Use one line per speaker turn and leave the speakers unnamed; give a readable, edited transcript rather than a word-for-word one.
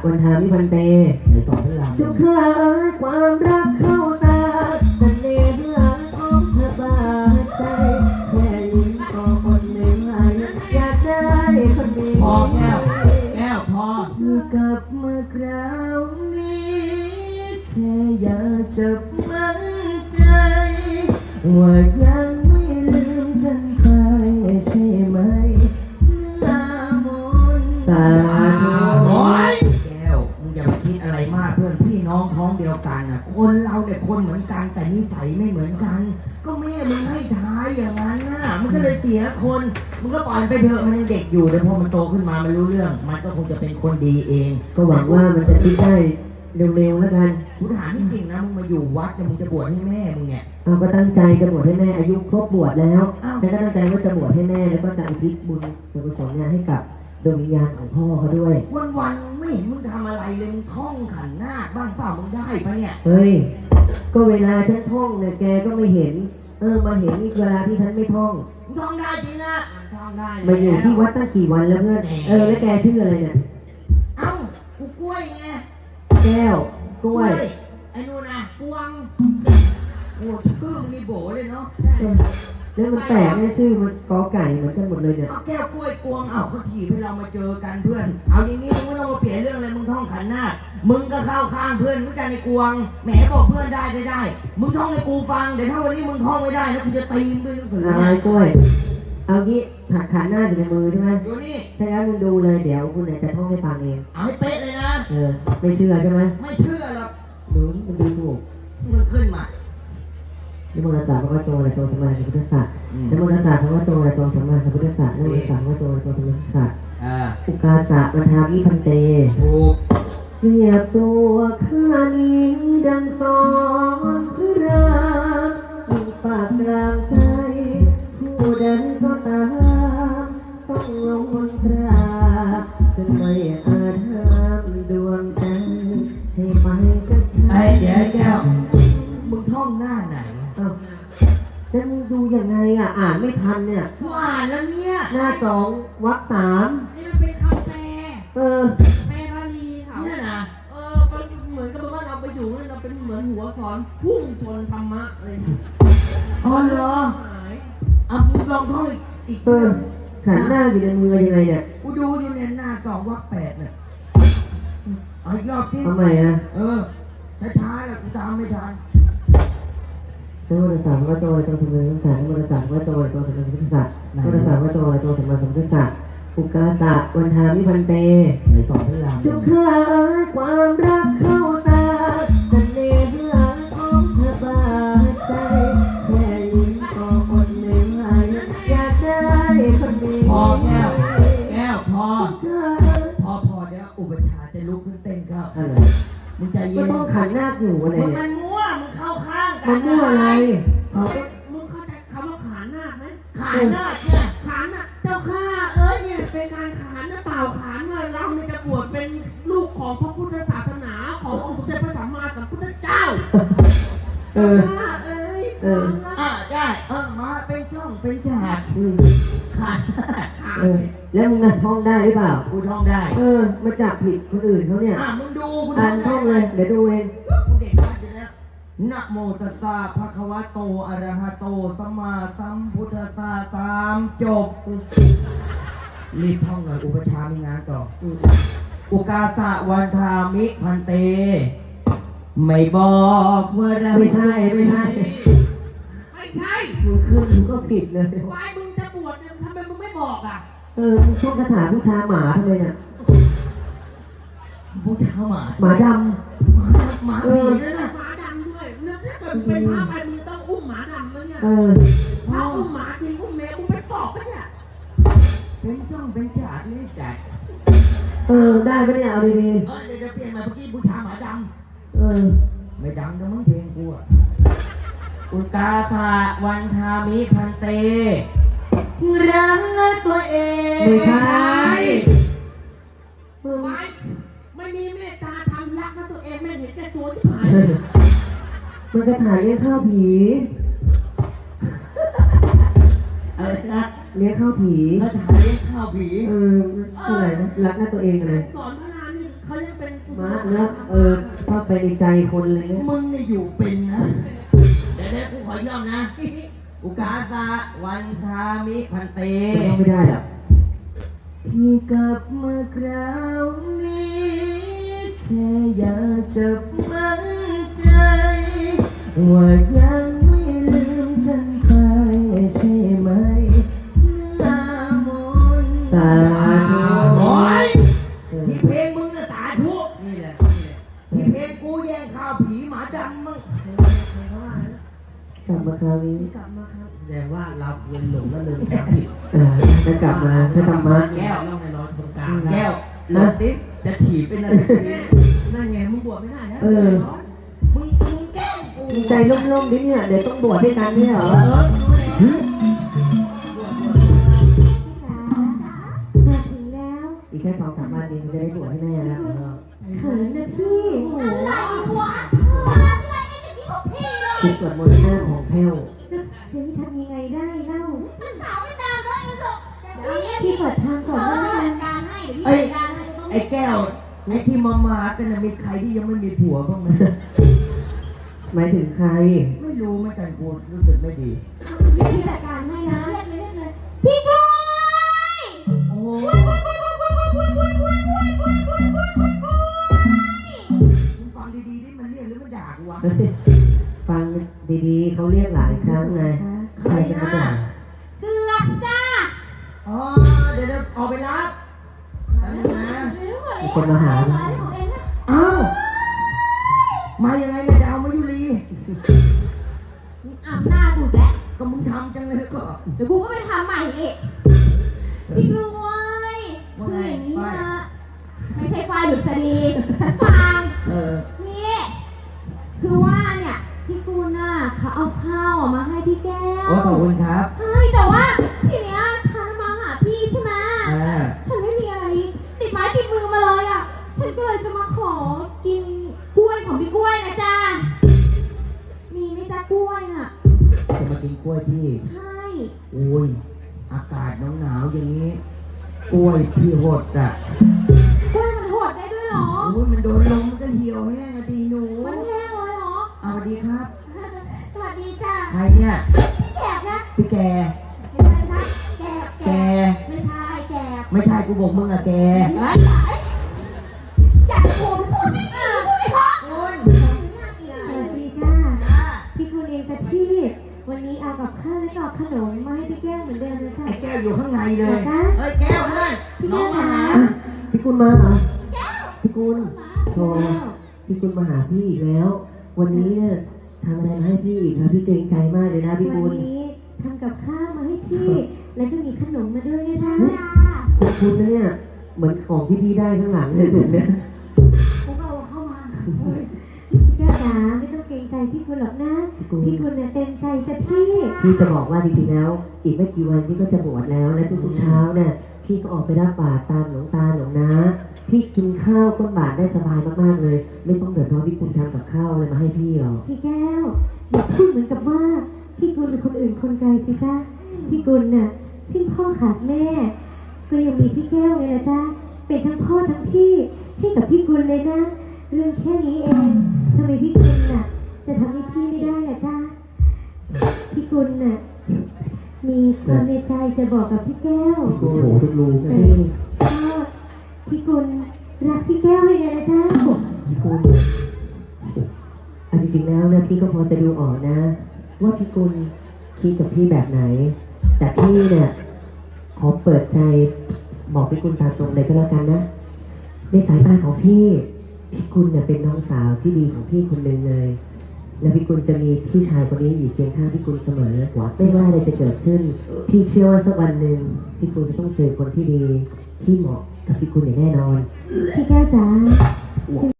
วันทามิพันเตในสองพระรามจุกขาความรักเข้าตาเสน่ห์ของเธอบาดใจแค่ยิ้มก็อดไม่ไหวอยากได้คนนี้พอแก้วพออยู่กับเมื่อคราวนี้แค่อยากจะมั่นใจว่ายังไม่ลืมกันไปใช่ไหมนามนสาธุโอ้ยแก้วมึงอย่าไปคิดอะไรมากเพื่อนพี่น้องท้องเดียวกันน่ะคนเราเนี่ยคนเหมือนกันแต่นิสัยไม่เหมือนกันก็แม่มึงให้ท้ายอย่างนั้นน่ะมันก็เลยเสียคนมึงก็ปล่อยไปเถอะมันยังเด็กอยู่เดี๋ยวพอมันโตขึ้นมามันรู้เรื่องมันก็คงจะเป็นคนดีเองก็หวังว่ามันจะคิดได้เร็วๆแล้วกันกูถามจริงๆนะมึงมาอยู่วัดเนี่ยมึงจะบวชให้แม่มึงเนี่ยเราก็ตั้งใจจะบวชให้แม่อายุครบบวชแล้วแล้วก็ตั้งใจว่าจะบวชให้แม่แล้วก็จะอุทิศบุญส่วนกุศลให้กับดวงวิญญาณของพ่อเขาด้วยวันๆไม่เห็นมึงทำอะไรเลยมึงท่องขันนาคบ้างเปล่ามึงได้ปะเนี่ยเฮ้ยก็เวลาฉันท่องเนี่ยแกก็ไม่เห็นมาเห็นอีกเวลาที่ฉันไม่ท่องมึงท่องได้จริงอะท่องได้มาอยู่ที่วัดตั้งกี่วันแล้วเพื่อนแล้วแกชื่ออะไรเนี่ยเอ้ากูกล้วยไงแก้วกล้วยไอ้นู่นน่ะกวางโอ้ชื่อมีโบเลยเนาะแล้วมันแปลกเนี่ยชื่อมันกอไก่เหมือนกันหมดเลยเนี่ยแก้วกล้วยกวางเขาถีบให้เรามาเจอกันเพื่อนเอาอย่างนี้มึงไม่ต้องมาเปลี่ยนเรื่องเลยมึงท่องขันหน้ามึงก็เข้าข้างเพื่อนมึงกันในกวางแหมบอกเพื่อนได้มึงท่องให้กูฟังเดี๋ยวถ้าวันนี้มึงท่องไม่ได้แล้วกูจะตีมึงด้วยหนังสืออะไรกล้วยเอางี้ขันหน้าอยู่ในมือใช่ไหมอยู่นี่ถ้างั้นมึงดูเลยเดี๋ยวคุณจะท่องให้ฟังเองเอาให้เป๊ะเลยนะไม่เชื่อใช่ไหมไม่เชื่อหรอกมันดูถูกมึงขึ้นมานิมนต์ศาสตร์พระโตและโตสมมาสัมพุทธัสสะนิมนต์ศาสตร์พระโตและโตสมมาสัมพุทธัสสะนิมนต์ศาสตร์พระโตและโตสมมาสัมพุทธัสสะอุกาสะวันทามิพันเตถูกเรียบตัวข้านี้ดังสอนพระรามมีปากกลางใจผู้ใดก็ตามต้องลงมนตราจนไม่อาจห้ามดวงใจให้ไปกับเดี๋ยวแก้วมึงท่องหน้าไหนแล้วมึงดูยังไงอ่านไม่ทันเนี่ยกูอ่านแล้วเนี่ยหน้า2 วรรค 3นี่มันเป็นคำแปลแปลบาลีเขาเนี่ยนะมันเหมือนกับว่าเราไปอยู่เราเป็นเหมือนหัวสอนพุ่งชนธรรมะอะไรอ๋อเหรอมึงลองท่องอีกขันหน้าอยู่ในมือยังไงเนี่ยกูดูอยู่เนี่ยหน้า2 วรรค 8เนี่ยเอาอีกรอบที่ทำไมช้าๆแล้วกูตามไม่ทันนิมนต์ศาสตร์พระโตและโตสมมาสัมพุทธัสสะนิมนต์ศาสตร์พระโตและโตสมมาสัมพุทธัสสะนิมนต์ศาสตร์พระโตและโตสมมาสัมพุทธัสสะอุกาสะวันทามิพันเตในสองพระรามจุกขาความรักเข้าตาเสน่ห์ของเธอบาดใจแค่ยิ้มก็อดไม่ไหวอยากได้คนนี้พอแก้วพอเดี๋ยวอุปชาจะลุกขึ้นเต้นครับมึงใจเย็นไม่ต้องขันหน้าอยู่อะไรเนี่ยมันมั่วมึงเข้าข้างกันมันมั่วอะไรมึงเข้าใจคำว่าขานหน้าไหมขานหน้าเนี่ยขานน่ะเจ้าข้าเนี่ยเป็นการขานนะเปล่าขานว่าเราเนี่ยจะบวชเป็นลูกของพระพุทธศาสนาขององค์สมเด็จพระสัมมาสัมพุทธเจ้าได้มาเป็นช่องเป็นฉากขาดแล้วมึงท่องได้หรือเปล่ากูท่องได้มาจับผิดคนอื่นเขาเนี่ยมึงดูกูท่องเลยเดี๋ยวดูเองกูเด็กมากอยู่แล้วนะโมตัสสะภะคะวะโตอะระหะโตสัมมาสัมพุทธัสสะตามจบรีบท่องหน่อยอุปชามีงานต่ออุกาสะวันทามิพันเตไม่บอกว่าเราไม่ใช่มึงขึ้นมึงก็ผิดเลยวายมึงจะบวชเนี่ยทำไมมึงไม่บอกมึงท่องคาถาบูชาหมาทำไมเนี่ยบูชาหมาดำหมาผีด้วยนะหมาดำด้วยเรื่องถ้าเกิดเป็นพระไปมึงต้องอุ้มหมาดำแล้วเนี่ยถ้าอุ้มหมาจริงอุ้มแมวมึงไปปอกปะเนี่ยเป็นช่องเป็นฉากนี่จัดได้ปะเนี่ยเอาดีๆเดี๋ยวเปลี่ยนมาเมื่อกี้บูชาหมาดำไม่ดังนะมึงเพลงกูอุกาสะวันทามิพันเตรักตัวเองไม่ใช่ไม่มีเมตตาทำรักนะตัวเองไม่เห็นแต่ตัวที่หายมันจะถ่ายเลี้ยงข้าวผีอะไรนะเลี้ยงข้าวผีมาถ่ายเลี้ยงข้าวผีอะไรนะรักนะตัวเองอะไรสอนพระนามนี่เขาเรียกเป็น
เป็น
มาแล้วชอบไปในใจคนเลยนะ
มึงเนี่ยอยู่เป็นนะเดี๋ยวกูขอย่อมนะอุกาสะวันทามิพันเต
ไม่ได้หรอก
พี่กลับมาคราวนี้แค่อยากจะมั่นใจว่ายังไม่ลืมกันไปใช่ไหมหน้ามนต์
สาธุ
โอ้ยที่เพลงมึงน่ะสาธุ
นี่แหละ
ที่เพลงกูแย่งข้าวผีหมาดำมั้ง
กลับมาคราวนี้
กลับมาครับแสดงว่าเราเรียนหลงแล้วเลยทำผิด
จะกลับมาถ้าธรรมะ
แก้วเราในร้อยตรงกลาง
แก้วเลิศติ๊กจะฉีดเป็นอะไรดี
นั่นไงมึงบวชไม่ได้แล้ว
มึงแกล้งกู
ใจร่มๆดิเนี่ยเดี๋ยวต้องบวชด้วยกันเนี่ยเหรอ
มาถึงแล้ว
อีกแค่2-3 วันเองจะได้บวชให้แม่แล้ว
เขินนะพี่
อะไรวะอะไรจะกินของพี่เลย
คือสวดมนต์หน้าของแพ้ว
จะทำยังไงได้เล่า
มันสาวไม่ตามแล้วอีกอ่ะ
พี่เปิดทางก่อน
เอ
แล้ว
อ
กัน
การให้เดี๋ยวพี่จัดการให้ต้อง
ไอ้แก้วไอ้ที่มากันน่ะมีใครที่ยังไม่มีผัวบ้างไหม
หมายถึงใคร
ไม่รู้เหมือนกันกูรู้สึกไม่ดี
พี่จัดการให้นะเรียกเลยพี่กล้วย
โอ้มึงฟังดีๆนี่มันเรียกหรือมันด่ากูวะ
ฟังดีๆเขาเรียกหลายครั้งไงใครจะมาด่า
เกือบจ้า
อ๋อเดี๋ยวออกไปรับแป๊บนึงนะ
มีคนมาหา
ของเองนะ
อ้าวมายังไงเนี่ยดาวมายุรี
อ่ำหน้าดูแล้ว
ก็มึงทำจังเลยก็
เดี๋ยวกูก็ไปทำใหม่อีกพี่กล้วย
ว่าไง
นี่
ป้าย
นะไม่ใช่ควายหรือสดีฟัง นี่คือว่าเนี่ยพี่กูลน่ะเขาเอาข้าวมาให้พี่แก้ว
โอ้ขอบคุณครับ
ใช่แต่ว่าทีเนี้ยฉันมาหาพี่ใช่ไหม
อ่า
ฉันไม่มีอะไรติดไม้ติดมือมาเลยอ่ะฉันก็เลยจะมาขอกินกล้วยของพี่กล้วยนะจ๊ะมีไหมจ๊ะกล้วยน่ะ
จะมากินกล้วยพี่
ใช่
โอ้ยอากาศหนาวๆอย่างนี้กล้วยพี่หดอ่ะ
กล้วยมันโหดได้ด้วยเหรอ
โอ้ยมันโดนลมมันก็เหี่ยวแห้งอะดีหนู
มันแห้งเลยเหรอ
เอาดีครับ
สวัสดีจ้ะ
ใครเนี่ย
แกบนะ
พี่แก
ไม่ใช่นะแกบ
แก
ไม่ใช่แกบ
ไม่ใช่กูบอกมึงอะแก
เฮ้ยอยากโกงพูดไม่ดีพูดไม่เพราะ
คุณ
สวัสดีจ้าพี่คุณเองจ้ะพี่ วันนี้เอากับข้าวและกับขนมมาให้พี่แก้วเหมือนเดิมเลยค่ะ
ไอ้แก้วอยู่ข้างในเลย
เหรอคะ
เฮ้ยแก้วเพื่อนน้องมาหา
พี่กุลมาเหรอพี่กุลโทรพี่กุลมาหาพี่อีกแล้ว วันนี้เนี่ยทำอะไรมาให้พี่อีกนะพี่เกรงใจมากเลยนะพี่กุ
วั
ล
นนี้ทำกับข้าวมาให้พี่ แล้วก็มีขนมมาด้วยนะจ๊ะ
ขอบคุณนะเนี่ยเหมือนของที่พี่ได้ข้างหลังเลยถูกไหม
กูก็เอาเข้ามา
แก้วจ๋าไม่ต้องเกรงใจพี่คุณหรอกนะ พี่คุณเนี่ยเต็มใจจ้ะพี่
พี่จะบอกว่าจริงๆแล้ว อีกไม่กี่วันพี่ก็จะบวชแล้วและทุกๆเช้าเนี่ยพี่ก็ออกไปรับบาตรตามหลวงตาหลวงนะพี่กินข้าวก้นบาตรได้สบายมากๆเลย ไม่ต้องเดือดร้อนพี่คุณทำกับข้าวอะไรมาให้พี่หรอก
พี่แก้วอย่าพูดเหมือนกับว่า พี่กุลเป็นคนอื่นคนไกลสิจ้าพี่กุลน่ะสิ้นพ่อขาดแม่ ก็ยังมีพี่แก้วไงล่ะจ้าเป็นทั้งพ่อทั้งพี่ให้กับพี่กุลเลยนะ เรื่องแค่นี้เองทำไมพี่กุลน่ะ จะทำให้พี่ไม่ได้ล่ะจ้าพี่กุลน่ะมีความในใจจะบอกกับพี่แก้ว
พี่กุลโหทุกรู
เอ
พี่
อก็พี่กุลรักพี่แก้วเลยไงล่ะจ้า
พี่กุลเอาจริงๆแล้วเนี่ยพี่ก็พอจะดูออกนะ ว่าพี่กุลคิดกับพี่แบบไหน แต่พี่เนี่ยขอเปิดใจบอกพี่กุลตามตรงเลยก็แล้วกันนะในสายตาของพี่กุลเนี่ยเป็นน้องสาวที่ดีของพี่คนหนึ่งเลย และพี่กุลจะมีพี่ชายคนนี้อยู่เคียงข้างพี่กุลเสมอไม่ว่าอะไรจะเกิดขึ้น พี่เชื่อว่าสักวันหนึ่งพี่กุลจะต้องเจอคนที่ดีที่เหมาะกับพี่กุลอย่างแน่นอน
พี่แก้วจ๋า